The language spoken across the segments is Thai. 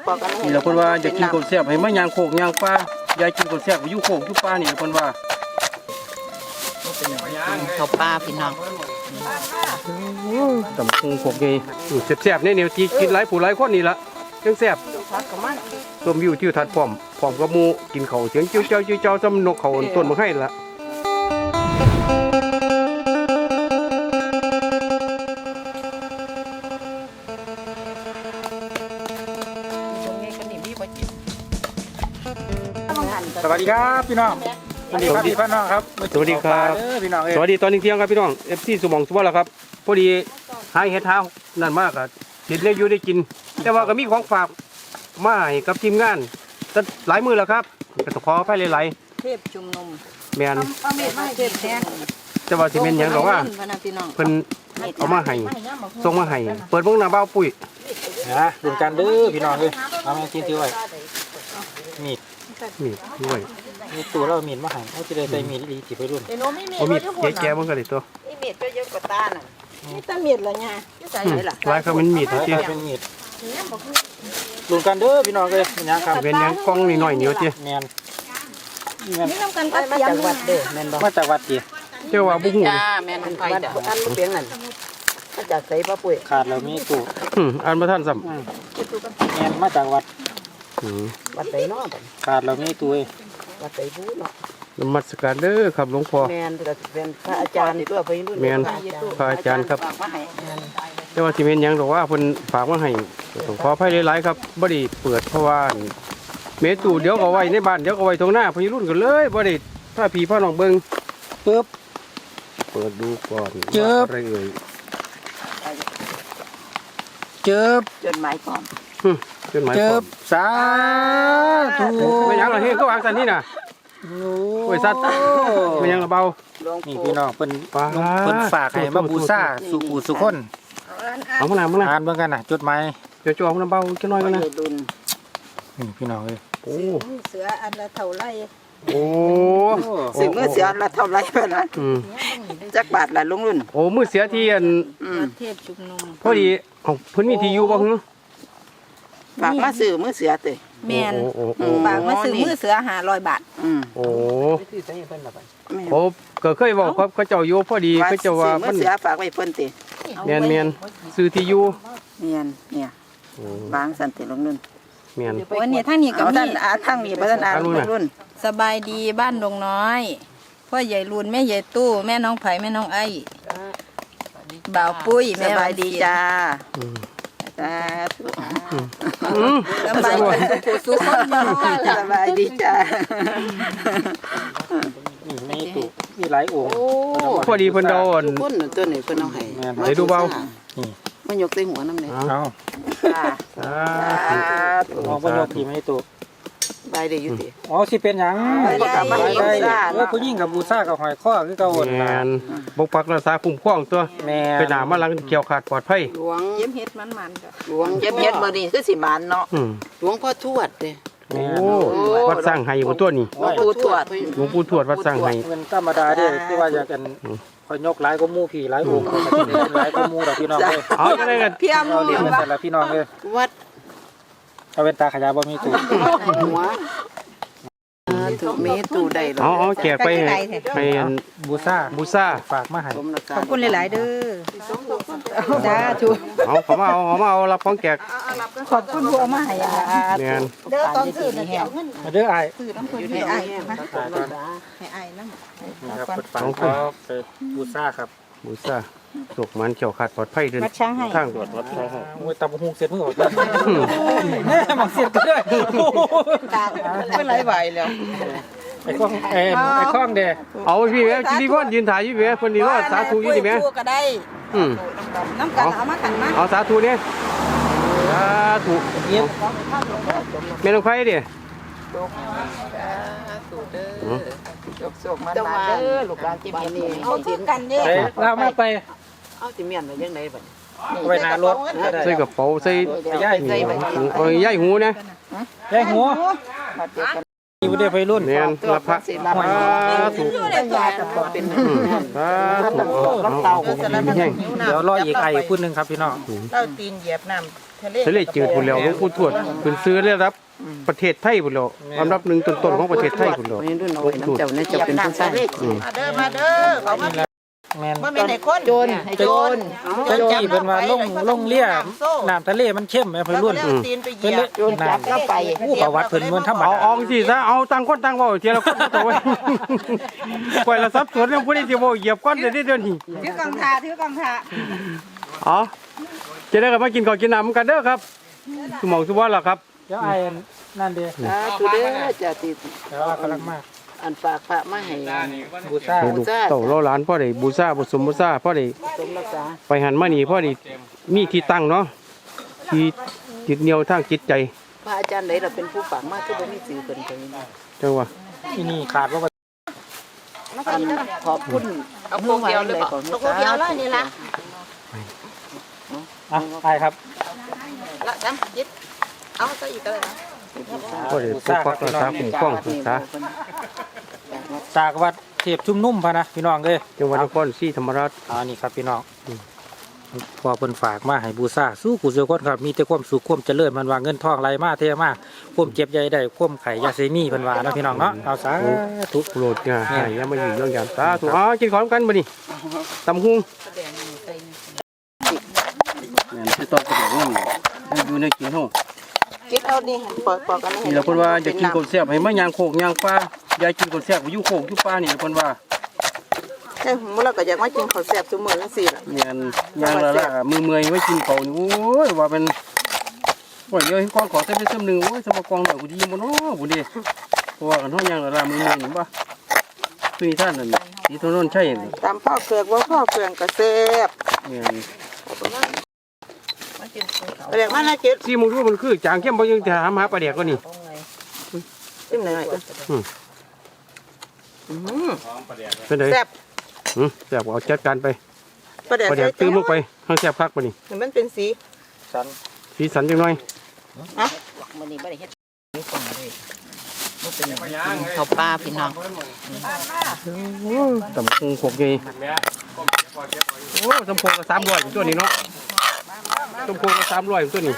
ปอกกันนี่เราคนว่าจะกินกบแซ่บให้มายางโคกยางปลายายกินกบแซ่บอยู่โคกอยู่ปลานี่คนว่าเขาปลาพี่น้องตำคงโคกไงแซ่บๆเนี่ยที่กินหลายผู้หลายคนนี่ละจังแซ่บต้มวิวทิวทัศน์พร้อมกับหมูกินข้าวเสียงเจ้าเจ้าซ้ำนกเขาต้นมาให้ละสวัสดีครับพี่น้องสวัสดีครับพี่น้องครับสวัสดีครับพี่น้องสวัสดีตอนเที่ยงครับพี่น้องFC สมองสวัสดิ์แล้วครับพอดีหายเห็ดเท้านั่นมากอ่ะเห็ดเนี่ยอยู่ได้กินแต่ว่าก็มีของฝากมาให้กับทีมงานหลายมือแล้วครับก็ต้องขออภัยหลายๆเทพชุมนุมแม่นเทพแท้แต่ว่าสิเป็นหยังดอกว่าเพิ่นเอามาให้ส่งมาให้เปิดเบิ่งหน้าบ้าวปุ้ยนะดูกันเด้อพี่น้องเลยเอามากินถือไว้มีดด้วยมีตัวเรามีดมาให้เขาจะได้ใส่มีดดีจีบไปรุ่นเอามีดแก่ๆมันก็ได้ตัวนี่มีดก็เยอะกว่าตาน่ะนี่ตามีดละเนี่ยใส่ไหนล่ะลายเขาเป็นมีดที่เป็นมีดดูกันเด้อพี่น้องเลยเป็นยังครับเป็นยังกล้องนิดหน่อยเหนียวจีแมนนี่ทำกันมาจากวัดเด้อแมนบอกมาจากวัดจีเจ้าว่าบุ้งจ้าแมนไปจ้ะอันเปียงนั่นมาจากใส่ป้าปุ้ยขาดแล้วมีตู้อันมาท่านซ้ำแมนมาจากวัดวัดไหนเนาะขาดแล้วมีตู้วัดไหนบู๊เนาะนมัสการเด้อครับหลวงพ่อแมนเป็นพระอาจารย์ตัวไปรุ่นแมนพระอาจารย์ครับแต่ว่าที่เป็นยังบอกว่าเพิ่นฝากมาให้ต้องขออภัยหลายๆครับบ่ได้เปิดเพราะว่าเมตูเดี๋ยวก็ไว้ในบ้านเดี๋ยวก็ไว้ตรงหน้าพี่รุ่นกันเลยบ่ได้ถ้าพี่พ่อน้องเบิ่งปึ๊บเปิดดูก่อนอะไรเอ่ยจดหมายพร้อมจดหมายพร้อมสาธุไม่ยังละเฮ้ยก็วางสันนี่น่ะโอ้ยสัตว์ไม่ยังละเบานี่พี่น้องเพิ่นฝากให้มาบูชาสุขุสุคนเอามาหน้าอ่านเบิ่งกันน่ะจดหมายจ่อๆมันเบาจังน้อยกันนะนี่พี่น้องเอ้ยโอ้เสืออันละเท่าไรโอ้สิมือเสืออันละเท่าไรเพิ่นน่ะจักบาทละลุงรุ่นโอ้มือเสียที่อันเทพชุมนุมพอดีเพิ่นมีที่อยู่บ่ฮึฝากมาซื้อมือเสือเตะแม่นฝากมาซื้อมือเสือ500 บาทโอ้โอ้ก็เคยบอกครับเขาเจ้าอยู่พอดีเขาเจ้าว่ามือเสือฝากไว้เพิ่นติแม่นซื้อที่อยู่แม่นเนี่ยบางสันติลุงรุ่นแม่นวันนี้ทางนี้ก็ท่านทางนี้บ่ท่านลุงรุ่นสบายดีบ้านดงน้อยพ่อใหญ่รุ่นแม่ใหญ่ตู้แม่น้องไผ่แม่น้องไอ้บ่าวปุ้ยแม่สบายดีจ้าสบายดีสุขสบายดีจ้านี่ตู้มีหลายองค์พอดีเพิ่นโดนคนตัวนี้เพิ่นเอาให้ได้ดูเบามันยกใส่หัวน้ำเลยเอาเอาบ่ยกที่ไม่ตู้ใบได้อยู่ติอ๋อสิเป็นหยังได้ผู้หญิงกับบูชากับหอยข้อคือเก่าแม่นบกปักรักษาคุ้มครองตัวไปหน้ามาหลังเกี่ยวขาดปลอดภัยหลวงเย็บเฮ็ดมันจ้ะหลวงเย็บบ่นี่คือสิบานเนาะหลวงพ่อทวดเด้โอ้วัดสร้างไห้บ่ตัวนี้หลวงปู่ทวดวัดสร้างไห้เป็นธรรมดาเด้ที่ว่าอยากกันคอยยกหลายก็มู่พี่หลายองค์หลายก็มู่ดอกพี่น้องเลยเอาจังได๋กันเพียมเรียนแต่ละพี่น้องเลยวัดเอาเป็นตาขยายบ่มีตู้หัวถูกมีตู้ได้เอาแจกไปให้บูชาฝากมาให้ขอบคุณหลายๆเด้อจ้าถูกเขามาเอารับของแจกขอบคุณผู้มาให้แม่นเด้อตอนซื้อนี่แห้งเด้ออ้ายซื้อน้ำเพิ่นให้อ้ายให้อ้ายนำครับฝากเขาไปบูชาครับบูชาสุกมันเกี่ยวขาดปลอดภัยเดินทางตรวจวัดช้างให้โอ้ยตำบักหุ่งเสร็จมื้อออกแล้วแม่หมักเสร็จก็ได้กลางเป็นหลายใบแล้วไอ้ข้องเด้เอาพี่แม่พี่พ่อยืนถ่ายอยู่แม่คนนี้ว่าสาธุอยู่ดิแม่ก็ได้น้ำกันเอามาขันมาเอาสาธุเนี่ยสาธุแม่น้องไผ่ดิสุกมันมาเด้อลูกหลานจิเมียนนี่เอาทิ้งกันเด้เรามาไปเอาจิเมียนไปยังไงบัดไปหน้ารถใส่กระเป๋าใส่ย่ายหูนะย่ายหูอยู่ได้ไปรุ่นแม่นรับพระถูกได้ยากับเป็นถูกเอาแห้งเดี๋ยวรออีกไอ้พูดนึงครับพี่น้องเราตีนเหยียบน้ำทะเลทะเลจืดพุ่นแล้วหลวงปู่ทวดเพิ่นซื้อได้รับประเทศไทยพุ่นแล้วอันดับหนึ่งต้นๆของประเทศไทยพุ่นแล้วรุ่นเอาไว้น้ำเจ้าเนี่ยจะเป็นผู้ชายมาเด้อมาเด้อเขามาแม่นบ่แม่นไอ้คนโจรไอ้โจรเจ้าที่เป็นว่าลงเลี่ยน้ำทะเลมันเข้มไหมเพิ่นรุ่นตีนไปเหเพิ่ยีนยเล่บนน้ำแล้วไปประวัติเพิ่นมันธรรมเอาดาอองสิซะเอาต่างคนต่างเว้าเทียละคนตัวไว้ปล่อยละสับสนเรื่องผู้ใดสิเว้าเหยียบก้อนเดี๋ยวนี้ถือกองทาถือกองทาอ๋อจะได้กลับมากินข้าวกินน้ำกันเด้อครับสมองสุวรรณล่ะครับเดี๋ยวไอ้นั่นเด้ตุเด้อจะติดเดี๋ยวกำลังมาอันฝากพระมาให้บูชาให้ลูกเต่าเราหลานพ่อได้บูชาบุสมบูชาพ่อได้สมรักษาไปหันมานี่พ่อได้มีที่ตั้งเนาะที่จิตเหนียวทางจิตใจพระอาจารย์ไหนเราเป็นผู้ฝากมาคือบ่มีสื่อเพิ่นไปจังว่าที่นี่ขาดว่าขอบคุณเอาพวกเดียวเลยบ่พวกเดียวแล้วนี่ล่ะอ่ะไอ้ครับละจำจิตเอาซะอีกก็ได้นะพ่อได้ปกปักรักษาคุ้มครองรักษาจากวัดเทพชุมนุ่มพะนะพี่น้องเอ้ยจังหวัดนครศรีธรรมราชนี่ครับพี่น้องพอเพิ่นฝากมาให้บูชาสู้กุศลคนครับมีแต่ความสุขความเจริญมันว่าเงินทองไหลมาเทมาความเจ็บใหญ่ได้ความไข่ยาเสนีเพิ่นว่านะพี่น้องเนาะเอาสาธุโปรดอย่าให้อย่ามาอยู่เรื่องยามสาธุอ๋อกินของกันบ่นี่ตำหุงแม่นสิต้องกระโดดลงอยู่ในกินเฮาคิดเอานี่ปอกกันให้นี่ล่ะเพิ่นว่าจะกินกบแซ่บให้มายางโคกยางปลาอย่ากินกบแซ่บอยู่โคกอยู่ปลานี่เพิ่นว่าเอ้ยมื้อเราก็อยากมากินข้าวแซ่บซุมื้อจังซี่ล่ะแม่นยางละละมือเมื่อยไว้กินข้าวนี่โอ้ยว่าเป็นว่าเดี๋ยวเห็นกองขอใส่ไปซ้ำนึงโอ้ยสมกองหน่อยกูดีบ่เนาะบ่ดีเพราะว่ากันเฮายางละละมือเมื่อยนี่บ่คือนี่ท่านนั่นนี่ถนนใช่นี่ตามพ่อเคือกว่าพ่อเคืองก็แซ่บแม่นเรียกมานะจิตซีมึงรู้มันคือจางเข้มบ่ยังจะถามหาปลาแดกก็นี่จิ้มหน่อยๆก็เป็นไดแซ่บแซ่บเอาจัดการไปปลาแดกปลาแดกตื้มลงไปข้างแซ่บคักบ่นี่มันเป็นสีสันสีสันจังหน่อยมื้อนี้บ่ได้เฮ็ดนี่ฟังเลยบ่เป็นข้าวปลาพี่น้องตำคงขกใหญ่โอ้ตำคงก็300ตัวนี้เนาะตำคงก็300ตัวนี้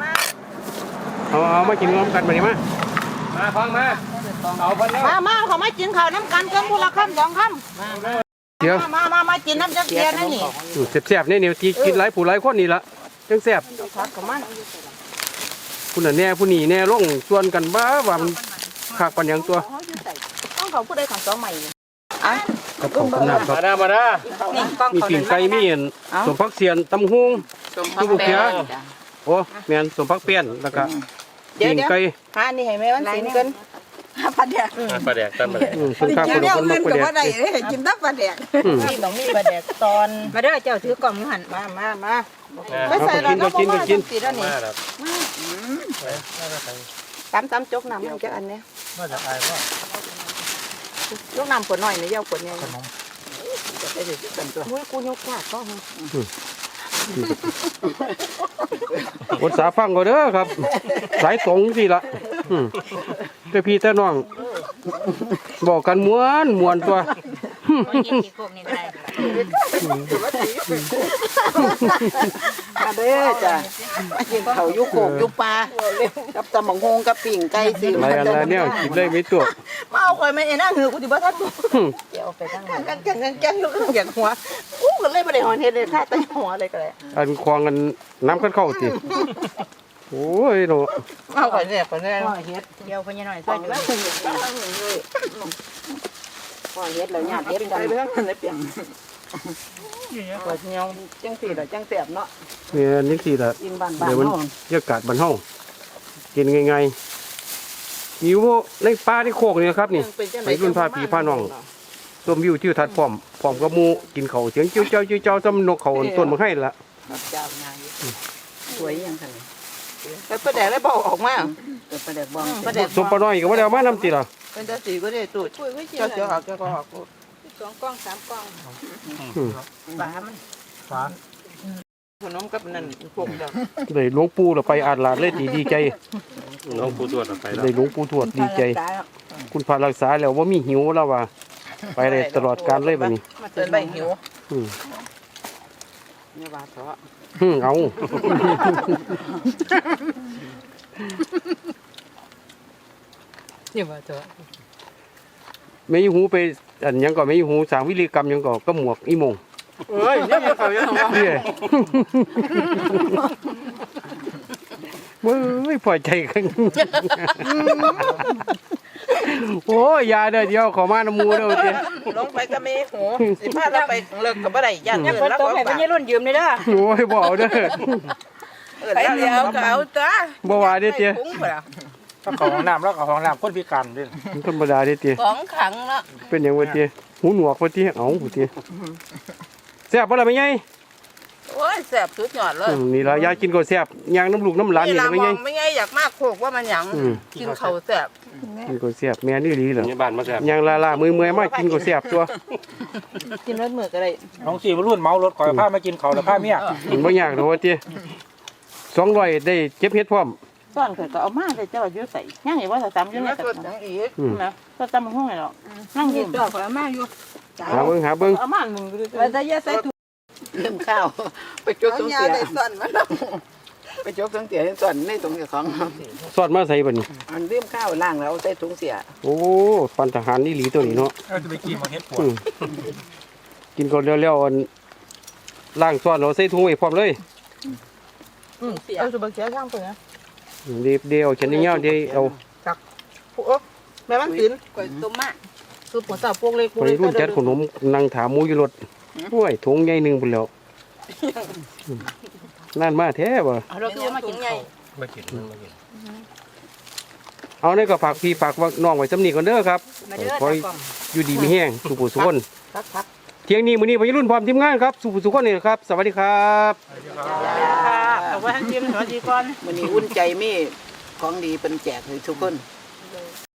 เอามากินพร้อมกันบัดนี้มาฟังมาเอาเพิ่นแล้วมาเขามากินข้าวน้ำกันกันผู้ละคำ2คำเดี๋ยวมากินน้ำจักเทียนั่นนี่แซ่บๆนี่ที่กินหลายผู้หลายคนนี่ล่ะจังแซ่บพักกับมันผู้นั้นแน่ผู้นี้แน่ลงส่วนกันบ้าว่ามันคักปานหยังตัวต้องเขาผู้ใดของ2ใหม่อ่ะกับเขากำน้ำครับมาดานี่กล้องมีเขาปิ่งไก่มีอันสมพักเสียนตำหุงสมพักแป้งโอ้แม่นสมพักเปี้ยนแล้วก็ปิ่งไก่หานี่ให้แม่วันศิลป์กันปลาแดกปลาแดกตั้มปลาแดกส่วนข้าวคนละคนมาประเดี๋ยวกินตับปลาแดกนี่ต้องมีปลาแดกตอนมาเด้อเจ้าถือกล่องอยู่หั่นมาไม่ใส่แล้วก็กินสิแล้วนี่มาครับตำจกน้ำมันจะอันเนี้ยว่าจะไอ้ว่าจกน้ำขวดน้อยนี่ยาวขวดใหญ่ได้ดิกันตัวมุ้ยกูยกขาดก็อดสาฟังก็เด้อครับ สายตรงสิละแต่พี่แต่น้อง บอกกันม้วนตัวมาเด้อจ้ะมากินเขายุโขกยุปลากับตำบักฮงกับปิ่งไก่สิอะไรอันไรเนี่ยกินได้ไม่ตัวมาเอาข่อยไม่ไอ้นั่งหือกูสิบ่ทันกูเดี๋ยวไปตั้งกันอยู่ข้างอย่างหัวกูก็เลยบ่ได้หอนเฮ็ดเลยท่าใต้หัวเลยก็เลยอันควงกันน้ำเข้าติโอ้ยโนเอาข่อยเนี่ยข่อยเนี่ยเฮ็ดเดี๋ยวเพิ่นหน่อยช่วยอยู่ข่อยเฮ็ดแล้วญาติเฮ็ดกันไปทางนั้นเลยเปียงข่อยเหนียวจังซี่ล่ะจังแซ่บเนาะเนี่ยนี่สิละกินบ้านเดี๋ยวมันเฮาบรรยากาศบ้านเฮากินง่ายๆอยู่ในป่าในโคกนี่ครับนี่ไปรุ่นพาผีพาน้องชมวิวทิวทัศน์พร้อมกับหมู่กินข้าวเสียงจิ้วเจ้าจิ้วเจ้าซ้ำนกเขาต้นมาให้ละเจ้านายสวยยังคั่นแล้วปลาแดกได้บ่ออกมาปลาแดกบ้องปลาแดกสมปลาน้อยก็บ่ได้เอามานำติล่ะเป็นจังซี่ก็ได้ตูดเจ้าออกเจ้าก็ออก2กล้อง3กล้องปลามันฟ้าขนมกับนั่นพวกเดียวได้หลวงปู่เราไปอาดลาดเลยดีใจน้องผู้ตรวจไปแล้วได้หลวงปู่ทวดดีใจ คุณพารักษาแล้วว่ามีหิวแล้วว่าไปได้ตลอดการเลยบัดนี้มาเตือนใบหิวอืมเนี่ยว่าเถอะเอาเนี่ยว่าเถอะไม่ยหูไปอันหยังก็ไม่ยหูสร้างวิริกรรมหยังก็หมวกอีโมงเอ้ยเนี่ยเขายังว่าเนี่ยเว้ยพอใจกันโอ้ยยาเด้อเดียวขอมาน้ำมูเด้อเจ้ลงไปก็ไม่หูสิพาเราไปเลิกกับบ่ได้ย่านยังเงิเพิ่นนแล้วโตก็ให้ฝาเพิ่นรุ่นยืมนี่เด้อโอ้ยบ่เอาเด้อไปเดียวก็เอาจ้าบ่ว่าเด้อเจ้คุ้งพุ่นล่ะถ้าของห้องน้ำแล้วก็ห้องน้ำคนพิการด้วยธรรมดาเด้อเจ้ของขังละเป็นหยังวะเจ้หูหนวกวะเจ้เอ้าบ่เจ้แซ่บบ่ล่ะแม่ใหญ่โอ้ยแซ่บสุดยอดเลยนี่ล่ะยายกินก็แซ่บย่างน้ำลูกน้ำหลานนี่ล่ะล่ะแม่มใหอญ่งไม่ไงอยากมากโคกว่ามันหยังอืมกินข้าวแซ่บกินก็แซ่บแม่นี่ดีเหรอในบ้านมาแซ่บย่างลาๆมือๆมากินก็แซ่บตัวกินรสมือก็ได้น้องสี่รุ่นเมารถก่อยผ้ามากินเขาแล้วผ้าเมียมันบ่ยากดอกว่าเจ้200ได้เก็บเฮ็ดพร้อมซ่อนเกิดก็เอามาเลยเจ้าอยู่ใส่ย่างอย่าว่าจะจำอกิยู่นในแล้วกระสดเป๋าจังอีกนะก็จำห้องไหนหรอกนั่งอยู่ดอกข่อยเอามาอยู่หาเบิ่งเอามามึงดูว่าแต่อย่าใส่ถุงเริ่มข้าวไปจกตรงเสียไปจกตรงเสียส่วนในตรงเสียของซอสมาใส่บัดนี้อันเริ่มข้าวล่างแล้วใส่ถุงเสียโอ้ปันทหารนี่หลีตัวนี้เนาะจะไปกินมาเฮ็ดปวดอืมกินก่อนแล้วๆอันล้างซอสเราใส่ถุงไว้พร้อมเลยเอาสุบักเสียช่างเปิดนะเดียวฉันนี่เงี้ยเดียวเอาผู้อ๊แม่มันตื่นข่อยต้มมาคือปวดสาวพวกเล็กพวกไปเล็กรุ่นจัดขนมนั่งถามหมูอยู่รถโอ้ยถุงใหญ่หนึงพุ่นแล้วนั่นมาแท้บ่เราคือมากินไงมากินมากินเอานี่ก็ฝากพี่ฝากน้องไว้สำนีก่อนเด้อครับมาเด้อคอยตากล้องอยู่ดีมีแห้งสุขสุขคนพักเที่ยงนี้มื้อนี้พี่รุ่นพร้อมทีมงานครับสุขสุขคนนี่ครับ สวัสดีครับค่ะเอาไว้ให้จิ้มสวัสดีก่อนวันนี้อุ่นใจมีของดีเป็นแจกให้ทุกคน